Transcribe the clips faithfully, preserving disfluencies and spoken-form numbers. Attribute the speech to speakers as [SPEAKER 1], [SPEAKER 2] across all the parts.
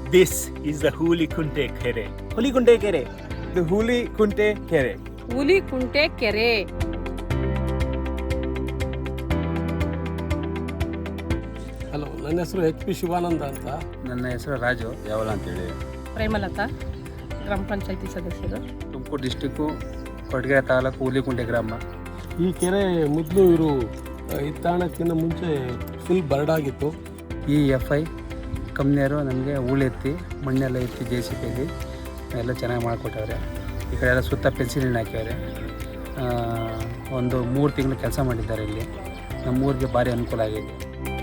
[SPEAKER 1] This is the Hulikunte Kere.
[SPEAKER 2] Hulikunte ಕೆರೆ. ಇದು ಹುಲಿಕುಂಟೆ ಕೆರೆ.
[SPEAKER 3] ಹುಲಿಕುಂಟೆ ಕೆರೆ.
[SPEAKER 4] ಹಲೋ, ನನ್ನ ಹೆಸರು ಎಚ್ ಪಿ ಶಿವಾನಂದ ಅಂತ.
[SPEAKER 5] ನನ್ನ ಹೆಸರು ರಾಜು ಯಾವಲ ಅಂತೇಳಿ.
[SPEAKER 3] ಪ್ರೇಮಲತಾ, ಗ್ರಾಮ ಪಂಚಾಯತಿ ಸದಸ್ಯರು.
[SPEAKER 5] ತುಮಕೂರು ಡಿಸ್ಟಿಕ್ಕು ಕೊಡಗೆರೆ ತಾಲೂಕು ಹುಲಿಕುಂಟೆ ಗ್ರಾಮ.
[SPEAKER 4] ಈ ಕೆರೆ ಮೊದಲು ಇವರು ಇತ್ತಾಣಕ್ಕಿಂತ ಮುಂಚೆ ಫುಲ್ ಬರಡಾಗಿತ್ತು.
[SPEAKER 5] ಈ ಎಫ್ ಐ ಕಂಪ್ನಿಯವರು ನಮಗೆ ಹೂಳೆತ್ತಿ ಮಣ್ಣೆಲ್ಲ ಎತ್ತಿ ಜೆ ಸಿ ಪಿಲಿ ಎಲ್ಲ ಚೆನ್ನಾಗಿ ಮಾಡಿಕೊಟ್ಟವ್ರೆ. ಈ ಕಡೆ ಎಲ್ಲ ಸುತ್ತ ಪೆನ್ಸಿಲಿನ ಹಾಕ್ಯವ್ರೆ. ಒಂದು ಮೂರು ತಿಂಗಳು ಕೆಲಸ ಮಾಡಿದ್ದಾರೆ ಇಲ್ಲಿ. ನಮ್ಮೂರಿಗೆ ಭಾರಿ ಅನುಕೂಲ ಆಗಿದೆ.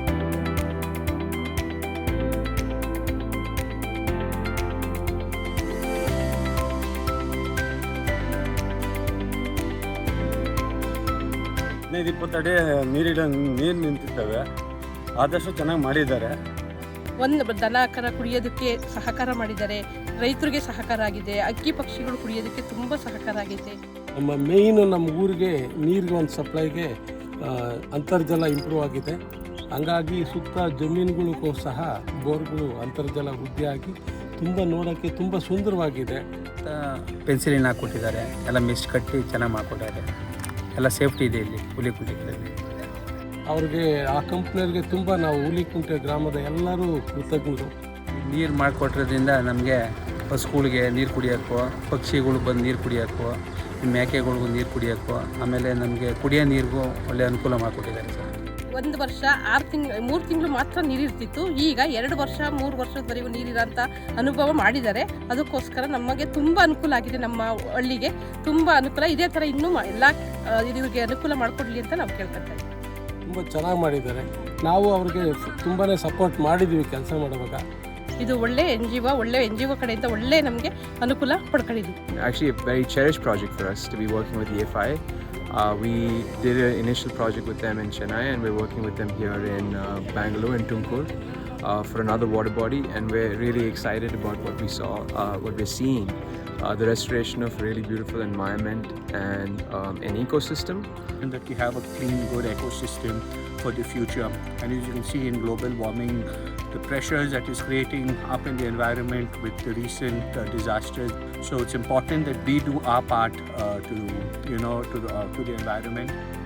[SPEAKER 6] ಹದಿನೈದು ಇಪ್ಪತ್ತು ಅಡಿ ನೀರಿಡ ನೀರು ನಿಂತಿರ್ತವೆ. ಆದಷ್ಟು ಚೆನ್ನಾಗಿ ಮಾಡಿದ್ದಾರೆ.
[SPEAKER 3] ಒಂದು ದನ ಕರ ಕುಡಿಯೋದಕ್ಕೆ ಸಹಕಾರ ಮಾಡಿದ್ದಾರೆ. ರೈತರಿಗೆ ಸಹಕಾರ ಆಗಿದೆ. ಅಕ್ಕಿ ಪಕ್ಷಿಗಳು ಕುಡಿಯೋದಕ್ಕೆ ತುಂಬ ಸಹಕಾರ ಆಗಿದೆ.
[SPEAKER 4] ನಮ್ಮ ಮೇಯ್ನು ನಮ್ಮ ಊರಿಗೆ ನೀರಿಗೆ ಒಂದು ಸಪ್ಲೈಗೆ ಅಂತರ್ಜಲ ಇಂಪ್ರೂವ್ ಆಗಿದೆ. ಹಂಗಾಗಿ ಸುತ್ತ ಜಮೀನುಗಳಿಗೂ ಸಹ ಬೋರ್ಗಳು ಅಂತರ್ಜಲ ವೃದ್ಧಿಯಾಗಿ ತುಂಬ ನೋಡೋಕ್ಕೆ ತುಂಬ ಸುಂದರವಾಗಿದೆ.
[SPEAKER 5] ಪೆನ್ಸಿಲಿನ ಹಾಕ್ಕೊಟ್ಟಿದ್ದಾರೆ. ಎಲ್ಲ ಮಿಸ್ಟ್ ಕಟ್ಟಿ ಚೆನ್ನಾಗಿ ಮಾಡಿಕೊಟ್ಟಿದ್ದಾರೆ. ಎಲ್ಲ ಸೇಫ್ಟಿ ಇದೆ ಇಲ್ಲಿ ಹುಲಿಕುಂಟೆಗಳಲ್ಲಿ.
[SPEAKER 4] ಅವ್ರಿಗೆ ಆ ಕಂಪ್ನಿಯವ್ರಿಗೆ ತುಂಬ ನಾವು ಹುಲಿಕುಂಟೆ ಗ್ರಾಮದ ಎಲ್ಲರೂ ಕೃತಜ್ಞರು.
[SPEAKER 5] ನೀರು ಮಾಡಿಕೊಟ್ಟಿರೋದ್ರಿಂದ ನಮಗೆ ಹಸುಗಳಿಗೆ ನೀರು ಕುಡಿಯೋಕ್ಕೂ, ಪಕ್ಷಿಗಳು ಬಂದು ನೀರು ಕುಡಿಯೋಕ್ಕೂ, ಮೇಕೆಗಳಿಗೂ ನೀರು ಕುಡಿಯೋಕ್ಕೂ, ಆಮೇಲೆ ನಮಗೆ ಕುಡಿಯೋ ನೀರಿಗೂ ಒಳ್ಳೆ ಅನುಕೂಲ ಮಾಡಿಕೊಟ್ಟಿದ್ದಾರೆ ಸರ್.
[SPEAKER 3] ಒಂದು ವರ್ಷ ಆರು ತಿಂಗಳು ಮೂರು ತಿಂಗಳು ಮಾತ್ರ ನೀರಿರ್ತಿತ್ತು. ಈಗ ಎರಡು ವರ್ಷ ಮೂರು ವರ್ಷದವರೆಗೂ ನೀರಿರೋಂಥ ಅನುಭವ ಮಾಡಿದ್ದಾರೆ. ಅದಕ್ಕೋಸ್ಕರ ನಮಗೆ ತುಂಬ ಅನುಕೂಲ ಆಗಿದೆ. ನಮ್ಮ ಹಳ್ಳಿಗೆ ತುಂಬ ಅನುಕೂಲ. ಇದೇ ಥರ ಇನ್ನೂ ಎಲ್ಲ ಇದಕ್ಕೆ ಅನುಕೂಲ ಮಾಡಿಕೊಡ್ಲಿ ಅಂತ ನಾವು ಕೇಳ್ಕೊತಾ ಇದ್ದೀವಿ.
[SPEAKER 4] ತುಂಬ ಚೆನ್ನಾಗಿ ಮಾಡಿದ್ದಾರೆ. ನಾವು ಅವ್ರಿಗೆ ತುಂಬಾ ಸಪೋರ್ಟ್ ಮಾಡಿದ್ದೀವಿ ಕೆಲಸ ಮಾಡುವಾಗ.
[SPEAKER 3] ಇದು ಒಳ್ಳೆ ಎನ್ ಜಿ ಒ ಒಳ್ಳೆ ಎನ್ ಜಿ ಒ ಕಡೆಯಿಂದ ಒಳ್ಳೆ ನಮಗೆ ಅನುಕೂಲ ಪಡ್ಕೊಂಡಿದ್ದೀವಿ.
[SPEAKER 7] Actually a very cherished project for us to be working with E F I. Uh, we did an initial project with them in Chennai, and we're working with them here in uh, Bangalore and Tumkur uh, for another water body, and we're really excited about what we saw, uh, what we're seeing, uh, the restoration of really beautiful environment and um, an ecosystem.
[SPEAKER 1] And that we have a clean, good ecosystem for the future. And as you can see in global warming, the pressures that is creating up in the environment with the recent uh, disasters. So it's important that we do our part uh, to, you know, to the, uh, to the environment.